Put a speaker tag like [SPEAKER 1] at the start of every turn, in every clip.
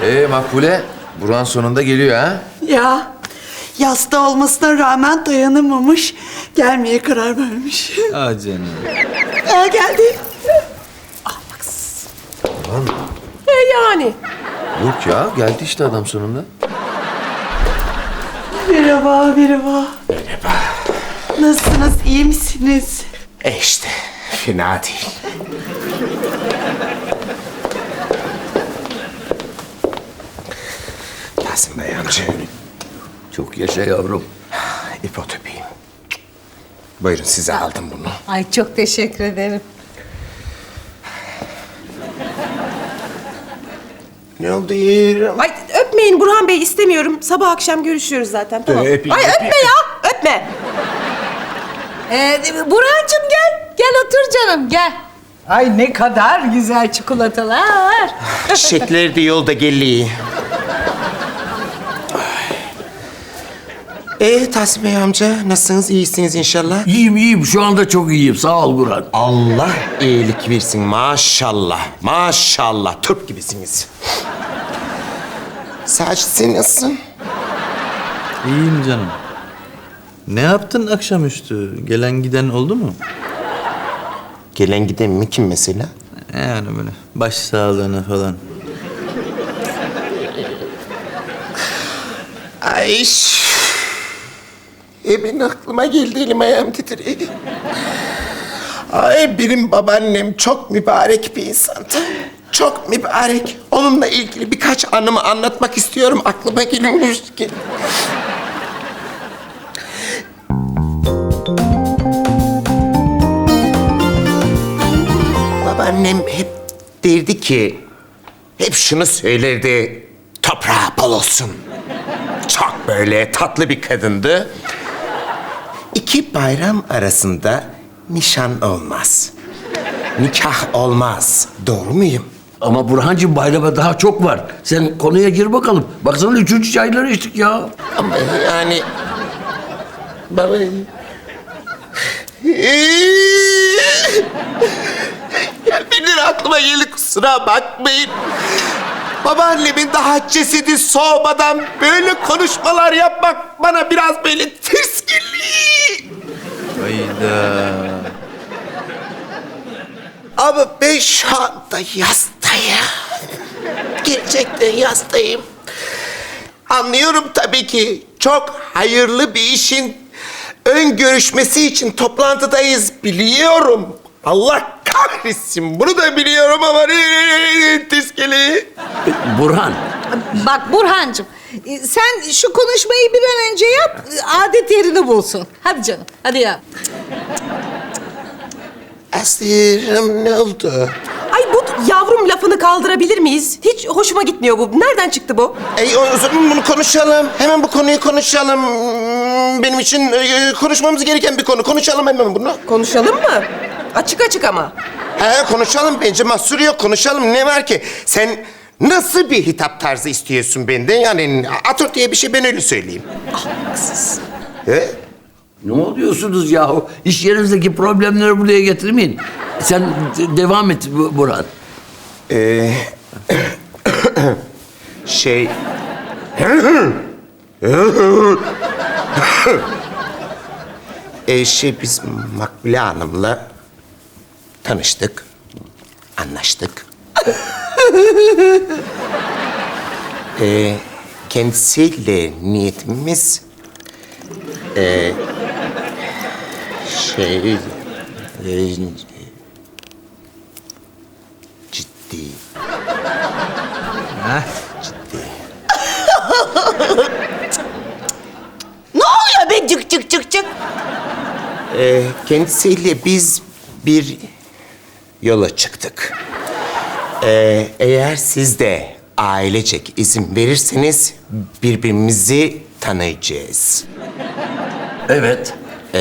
[SPEAKER 1] Makbule, Burhan sonunda geliyor ha?
[SPEAKER 2] Ya yasta olmasına rağmen dayanamamış. Gelmeye karar vermiş.
[SPEAKER 3] Ah canım.
[SPEAKER 2] Geldi.
[SPEAKER 4] Yani.
[SPEAKER 1] Yok ya, geldi işte adam sonunda.
[SPEAKER 2] Merhaba, merhaba. Merhaba. Nasılsınız, iyi misiniz?
[SPEAKER 5] İşte fena değil. Yasin Bey amca.
[SPEAKER 6] Çok yaşa yavrum.
[SPEAKER 5] İpotöpiyim. Buyurun size aldım bunu.
[SPEAKER 7] Ay çok teşekkür ederim.
[SPEAKER 5] Ne oldu yeğenim?
[SPEAKER 4] Ay öpmeyin Burhan Bey, istemiyorum. Sabah akşam görüşüyoruz zaten, tamam.
[SPEAKER 5] Öpeyim,
[SPEAKER 4] Ay öpme ya, öpme.
[SPEAKER 7] Burhan'cığım gel. Gel otur canım gel. Ay ne kadar güzel çikolatalar.
[SPEAKER 5] Çiçekler de yolda geliyor. Tahsin Bey amca nasılsınız? İyisiniz inşallah.
[SPEAKER 6] İyiyim. Şu anda çok iyiyim. Sağ ol Burhan.
[SPEAKER 5] Allah iyilik versin maşallah. Maşallah Türk gibisiniz. Sadece sen nasılsın?
[SPEAKER 3] İyiyim canım. Ne yaptın akşamüstü? Gelen giden oldu mu?
[SPEAKER 5] Gelen giden mi kim mesela?
[SPEAKER 3] Yani böyle baş sağlığına falan.
[SPEAKER 5] Ay. Benim aklıma geldi, elim ayağım titriyor. Ay benim babaannem çok mübarek bir insandı. Çok mübarek. Onunla ilgili birkaç anımı anlatmak istiyorum. Aklıma geliyor. Babaannem hep derdi ki, hep şunu söylerdi. Toprağı bol olsun. Çok böyle tatlı bir kadındı. İki bayram arasında nişan olmaz. Nikah olmaz. Doğru muyum?
[SPEAKER 6] Ama Burhancığım bayrama daha çok var. Sen konuya gir bakalım. Baksana 3. çayları içtik ya.
[SPEAKER 5] Ama yani... Baba... Benim aklıma geldi, kusura bakmayın. Babaannemin daha cesedi soğumadan böyle konuşmalar yapmak bana biraz böyle ters geliyor.
[SPEAKER 3] Hayda.
[SPEAKER 5] Ama ben şu anda yastayım. Gerçekten yastayım. Anlıyorum tabii ki. Çok hayırlı bir işin ön görüşmesi için toplantıdayız, biliyorum. Allah kahretsin, bunu da biliyorum ama ters geliyor.
[SPEAKER 6] Burhan.
[SPEAKER 7] Bak Burhan'cığım sen şu konuşmayı bir an önce yap. Adet yerini bulsun. Hadi canım hadi ya.
[SPEAKER 5] Aslı'm ne oldu?
[SPEAKER 4] Ay bu yavrum lafını kaldırabilir miyiz? Hiç hoşuma gitmiyor bu. Nereden çıktı bu?
[SPEAKER 5] O zaman bunu konuşalım. Hemen bu konuyu konuşalım. Benim için konuşmamız gereken bir konu. Konuşalım hemen bunu.
[SPEAKER 4] Konuşalım mı? Açık açık ama.
[SPEAKER 5] Konuşalım bence, mahsur yok. Konuşalım, ne var ki? Sen nasıl bir hitap tarzı istiyorsun benden? Yani atör diye bir şey, ben öyle söyleyeyim.
[SPEAKER 4] Haksız.
[SPEAKER 5] He?
[SPEAKER 6] Ne oluyorsunuz yahu? İş yerinizdeki problemleri buraya getirmeyin. Sen devam et Burhan.
[SPEAKER 5] Şey... biz Makbule Hanım'la tanıştık, anlaştık. Kendisiyle niyetimiz... ciddi. Ciddi.
[SPEAKER 4] Ne oluyor be cık cık cık cık?
[SPEAKER 5] Kendisiyle biz bir yola çıktık. Eğer siz de ailecek izin verirseniz birbirimizi tanıyacağız.
[SPEAKER 6] Evet.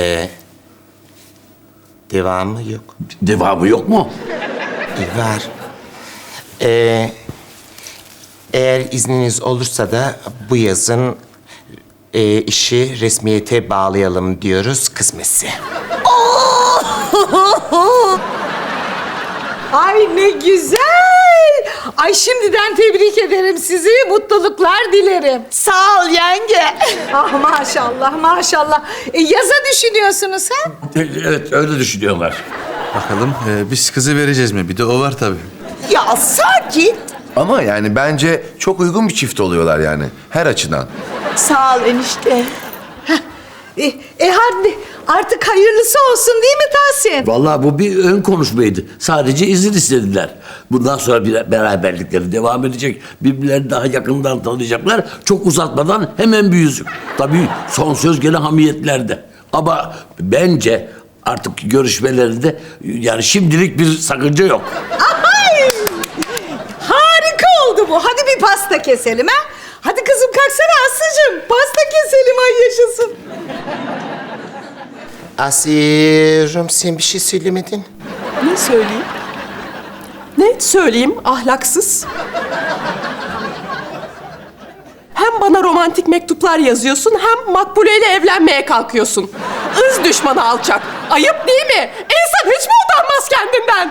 [SPEAKER 5] Devamı yok.
[SPEAKER 6] Devamı yok mu?
[SPEAKER 5] Var. Eğer izniniz olursa da bu yazın işi resmiyete bağlayalım diyoruz, kısmetse.
[SPEAKER 7] Ay ne güzel. Ay şimdiden tebrik ederim sizi. Mutluluklar dilerim.
[SPEAKER 2] Sağ ol yenge.
[SPEAKER 7] Ah maşallah maşallah. Yaza düşünüyorsunuz ha?
[SPEAKER 6] Evet öyle düşünüyorlar.
[SPEAKER 3] Bakalım biz kızı vereceğiz mi? Bir de o var tabii.
[SPEAKER 2] Ya sakin.
[SPEAKER 1] Ama yani bence çok uygun bir çift oluyorlar yani. Her açıdan.
[SPEAKER 2] Sağ ol enişte.
[SPEAKER 7] Hadi artık hayırlısı olsun değil mi Tahsin?
[SPEAKER 6] Vallahi bu bir ön konuşmaydı. Sadece izin istediler. Bundan sonra bir beraberlikleri devam edecek. Birbirlerini daha yakından tanıyacaklar. Çok uzatmadan hemen bir yüzük. Tabii son söz gene hamiyetlerde. Ama bence artık görüşmelerinde yani şimdilik bir sakınca yok.
[SPEAKER 7] Ay! Harika oldu bu. Hadi bir pasta keselim ha. Hadi kızım kalksana Aslı'cığım. Pasta keselim ay yaşasın.
[SPEAKER 5] Asiye'cim sen bir şey söylemedin.
[SPEAKER 4] Ne söyleyeyim? Ne söyleyeyim ahlaksız? Hem bana romantik mektuplar yazıyorsun hem Makbule ile evlenmeye kalkıyorsun. Irz düşmanı alçak. Ayıp değil mi? İnsan hiç mi utanmaz kendinden?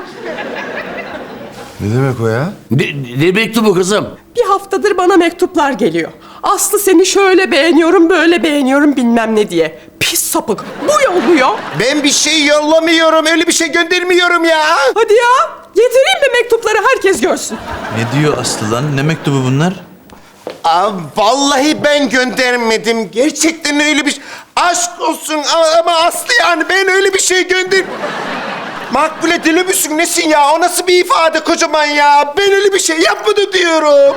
[SPEAKER 1] Ne demek o ya?
[SPEAKER 6] Ne mektubu kızım?
[SPEAKER 4] Bir haftadır bana mektuplar geliyor. Aslı seni şöyle beğeniyorum, böyle beğeniyorum bilmem ne diye. Pis sapık. Bu yolluyor.
[SPEAKER 5] Ben bir şey yollamıyorum, öyle bir şey göndermiyorum ya.
[SPEAKER 4] Hadi ya. Getireyim mi mektupları herkes görsün.
[SPEAKER 3] Ne diyor Aslı lan? Ne mektubu bunlar?
[SPEAKER 5] Vallahi ben göndermedim. Gerçekten öyle bir şey. Aşk olsun ama Aslı yani ben öyle bir şey gönder... Makbule deli misin nesin ya? O nasıl bir ifade kocaman ya? Ben öyle bir şey yapmadım diyorum.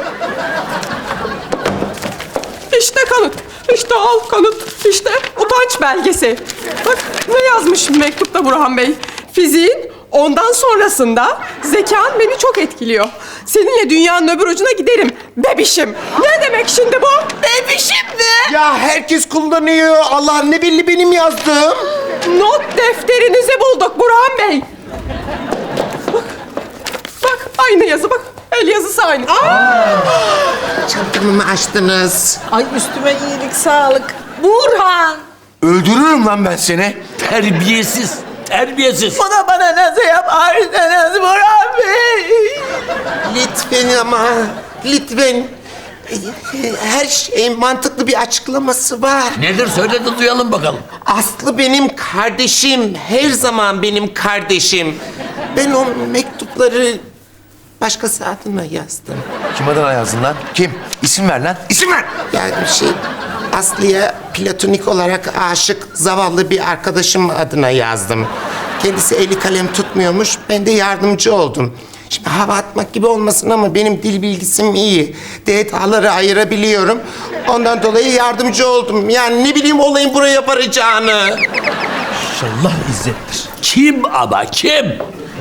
[SPEAKER 4] İşte kanıt. İşte al kanıt. İşte utanç belgesi. Bak ne yazmış mektupta Burhan Bey. Fiziğin ondan sonrasında zekan beni çok etkiliyor. Seninle dünyanın öbür ucuna giderim. Bebişim. Ne demek şimdi bu? Bebişim mi?
[SPEAKER 5] Ya herkes kullanıyor. Allah ne belli benim yazdığım.
[SPEAKER 4] Not defterinizi bulduk Burhan Bey. Bak. Bak aynı yazı bak. El yazısı aynı.
[SPEAKER 5] Çantamı mı açtınız?
[SPEAKER 7] Ay üstüme iyilik sağlık. Burhan.
[SPEAKER 1] Öldürürüm lan ben seni.
[SPEAKER 6] Terbiyesiz. Terbiyesiz.
[SPEAKER 2] Bunu bana nasıl yaparsınız Burhan Bey?
[SPEAKER 5] Lütfen ama, lütfen. Her şeyin mantıklı bir açıklaması var.
[SPEAKER 6] Nedir söyle de duyalım bakalım.
[SPEAKER 5] Aslı benim kardeşim, her zaman benim kardeşim. Ben o mektupları başkası adına yazdım.
[SPEAKER 1] Kim adına yazdın lan? Kim? İsim ver lan. İsim ver.
[SPEAKER 5] Yani Aslı'ya platonik olarak aşık zavallı bir arkadaşım adına yazdım. Kendisi eli kalem tutmuyormuş, ben de yardımcı oldum. Şimdi hava atmak gibi olmasın ama benim dil bilgisim iyi. Detaları ayırabiliyorum. Ondan dolayı yardımcı oldum. Yani ne bileyim olayın buraya varacağını.
[SPEAKER 3] İnşallah İzzet'tir.
[SPEAKER 6] Kim ama kim?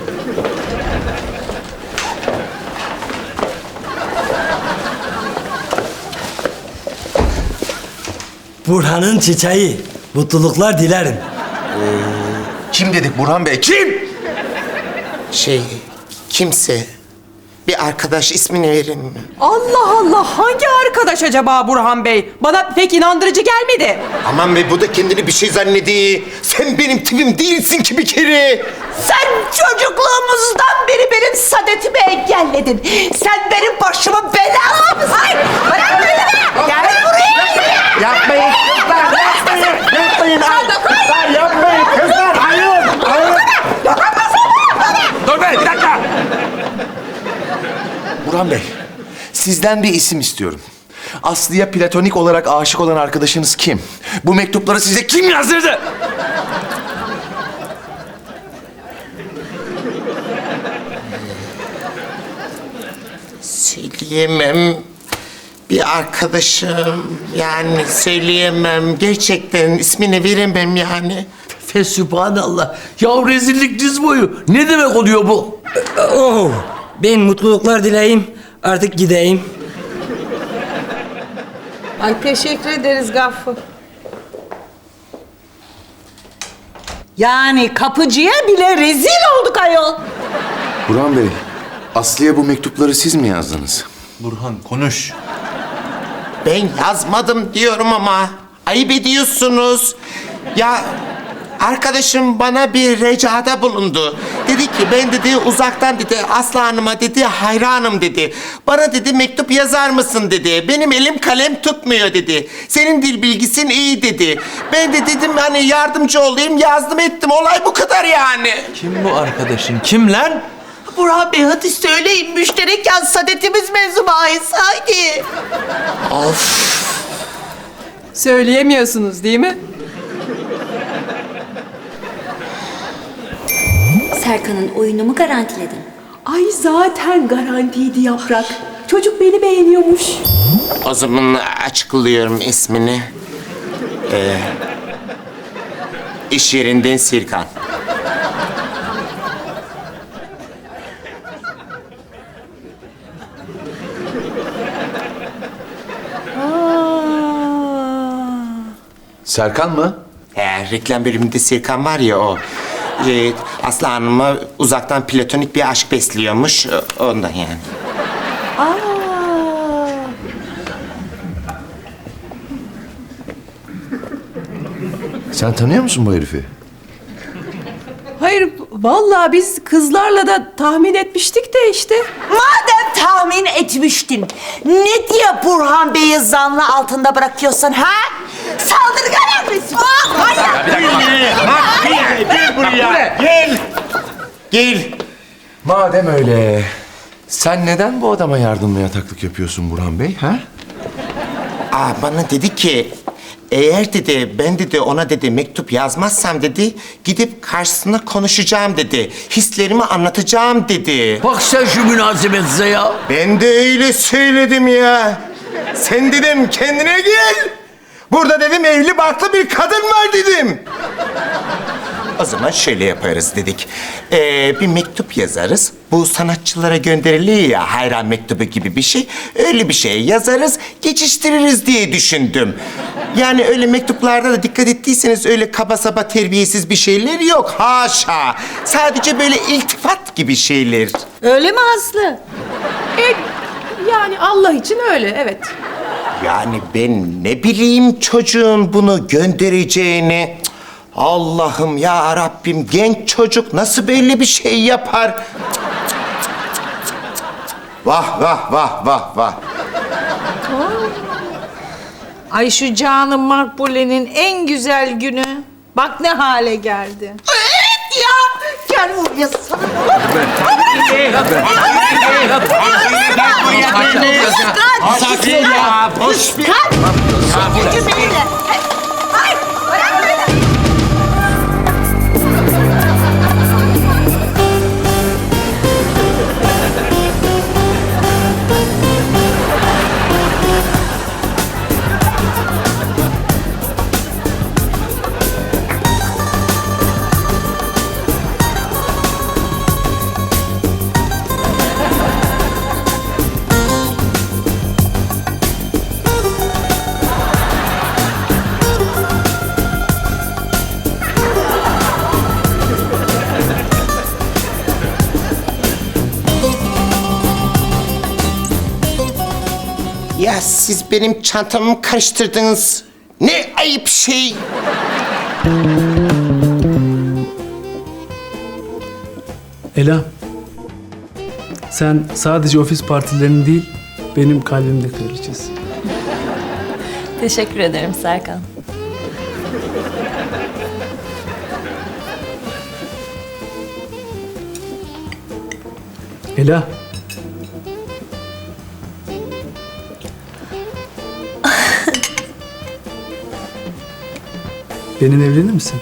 [SPEAKER 8] Burhan'ın çiçeği. Mutluluklar dilerim.
[SPEAKER 1] Kim dedik Burhan Bey? Kim?
[SPEAKER 5] Kimse. Bir arkadaş ismini verin mi?
[SPEAKER 4] Allah Allah hangi arkadaş acaba Burhan Bey? Bana pek inandırıcı gelmedi.
[SPEAKER 5] Aman be bu da kendini bir şey zannediyor. Sen benim tipim değilsin ki bir kere.
[SPEAKER 2] Sen çocukluğumuzdan beri benim saadetimi engelledin. Sen benim başımın belamısın. Ay bırak beni. Gel buraya.
[SPEAKER 5] Yapmayın kızlar, yapmayın. Yapmayın. Kızlar yapmayın kızlar. Hayır. Hayır.
[SPEAKER 1] Dur be bir dakika. Burhan Bey, sizden bir isim istiyorum. Aslı'ya platonik olarak aşık olan arkadaşınız kim? Bu mektupları size kim yazdırdı?
[SPEAKER 5] Söyleyemem. Bir arkadaşım. Yani söyleyemem. Gerçekten ismini veremem yani.
[SPEAKER 6] Fesübhanallah. Ya rezillik diz boyu. Ne demek oluyor bu?
[SPEAKER 8] Oh, ben mutluluklar dileyim. Artık gideyim.
[SPEAKER 7] Ay teşekkür ederiz Gaffur. Yani kapıcıya bile rezil olduk ayol.
[SPEAKER 1] Burhan Bey, Aslı'ya bu mektupları siz mi yazdınız?
[SPEAKER 3] Burhan konuş.
[SPEAKER 5] Ben yazmadım diyorum ama. Ayıp ediyorsunuz. Ya arkadaşım bana bir ricada bulundu. Dedi Dedi ki ben dedi uzaktan dedi Aslı Hanım'a dedi hayranım dedi. Bana dedi mektup yazar mısın dedi. Benim elim kalem tutmuyor dedi. Senin dil bilgisin iyi dedi. Ben de dedim hani yardımcı olayım yazdım ettim. Olay bu kadar yani.
[SPEAKER 3] Kim bu arkadaşın? Kim lan?
[SPEAKER 2] Burhan Bey hadi söyleyin. Müşterek yaz sadetimiz mevzu bahis. Haydi.
[SPEAKER 4] Söyleyemiyorsunuz değil mi?
[SPEAKER 9] Serkan'ın oyunumu garantiledin.
[SPEAKER 4] Ay zaten garantiydi Yaprak. Çocuk beni beğeniyormuş.
[SPEAKER 5] O zaman açıklıyorum ismini. İş yerinden Serkan.
[SPEAKER 1] Serkan mı?
[SPEAKER 5] Reklam bölümünde Serkan var ya o. Aslı Hanım'a uzaktan platonik bir aşk besliyormuş. Ondan yani.
[SPEAKER 1] Sen tanıyor musun bu herifi?
[SPEAKER 4] Hayır, vallahi biz kızlarla da tahmin etmiştik de işte.
[SPEAKER 2] Madem tahmin etmiştin, ne diye Burhan Bey'i zanlı altında bırakıyorsun ha? Saldırgan emrisi.
[SPEAKER 5] Gel.
[SPEAKER 1] Madem öyle, sen neden bu adama yardımla yataklık yapıyorsun Burhan Bey, ha?
[SPEAKER 5] Bana dedi ki eğer dedi ben dedi ona dedi mektup yazmazsam dedi gidip karşısına konuşacağım dedi. Hislerimi anlatacağım dedi.
[SPEAKER 6] Bak sen şu münasebetize ya.
[SPEAKER 5] Ben de öyle söyledim ya. Sen dedim kendine gel. Burada dedim evli barklı bir kadın var dedim. O zaman şöyle yaparız dedik. Bir mektup yazarız. Bu sanatçılara gönderiliyor ya hayran mektubu gibi bir şey. Öyle bir şey yazarız, geçiştiririz diye düşündüm. Yani öyle mektuplarda da dikkat ettiyseniz öyle kaba saba terbiyesiz bir şeyler yok. Haşa. Sadece böyle iltifat gibi şeyler.
[SPEAKER 7] Öyle mi Aslı?
[SPEAKER 4] Yani Allah için öyle, evet.
[SPEAKER 5] Yani ben ne bileyim çocuğun bunu göndereceğini. Cık, Allah'ım ya Rabbim genç çocuk nasıl böyle bir şey yapar? Cık, cık, cık, cık, cık. Vah vah vah vah vah.
[SPEAKER 7] Ay şu canım Makbule'nin en güzel günü. Bak ne hale geldi.
[SPEAKER 2] Evet ya. Gel buraya sana.
[SPEAKER 5] Sakin ya. Boş bir.
[SPEAKER 2] Gücü benimle. Hayır. Bırak beni.
[SPEAKER 5] Ya siz benim çantamı karıştırdınız. Ne ayıp şey.
[SPEAKER 10] Ela, sen sadece ofis partilerinin değil, benim kalbimde kraliçesin.
[SPEAKER 9] Teşekkür ederim Serkan.
[SPEAKER 10] Ela. Benimle evlenir misin?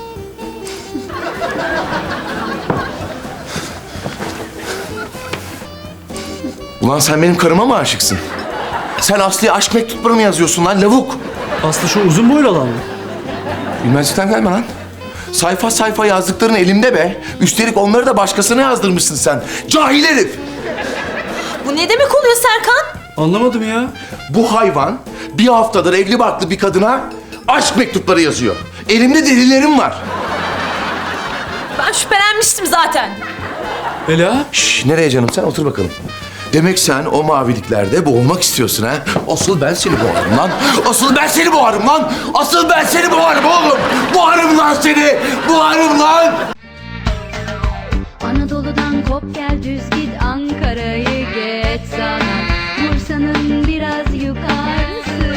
[SPEAKER 1] Ulan sen benim karıma mı aşıksın? Sen Aslı'ya aşk mektupları mı yazıyorsun lan lavuk?
[SPEAKER 10] Aslı şu uzun boylu olan mı?
[SPEAKER 1] Bilmezlikten gelme lan. Sayfa sayfa yazdıkların elimde be. Üstelik onları da başkasına yazdırmışsın sen. Cahil herif!
[SPEAKER 9] Bu ne demek oluyor Serkan?
[SPEAKER 10] Anlamadım ya.
[SPEAKER 1] Bu hayvan bir haftadır evli barklı bir kadına aşk mektupları yazıyor. Elimde delillerim var.
[SPEAKER 9] Ben şüphelenmiştim zaten.
[SPEAKER 10] Ela.
[SPEAKER 1] Şş, nereye canım sen? Otur bakalım. Demek sen o maviliklerde boğulmak istiyorsun ha? Asıl ben seni boğarım lan. Asıl ben seni boğarım lan. Asıl ben seni boğarım oğlum. Boğarım lan seni. Boğarım lan.
[SPEAKER 11] Anadolu'dan kop gel düz git, Ankara'yı geç sağdan, Bursa'nın biraz yukarısı.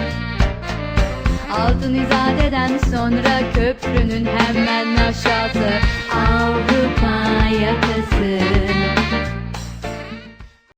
[SPEAKER 11] Altın İzade'den sonra köprünün hemen aşağısı, Avrupa yakası.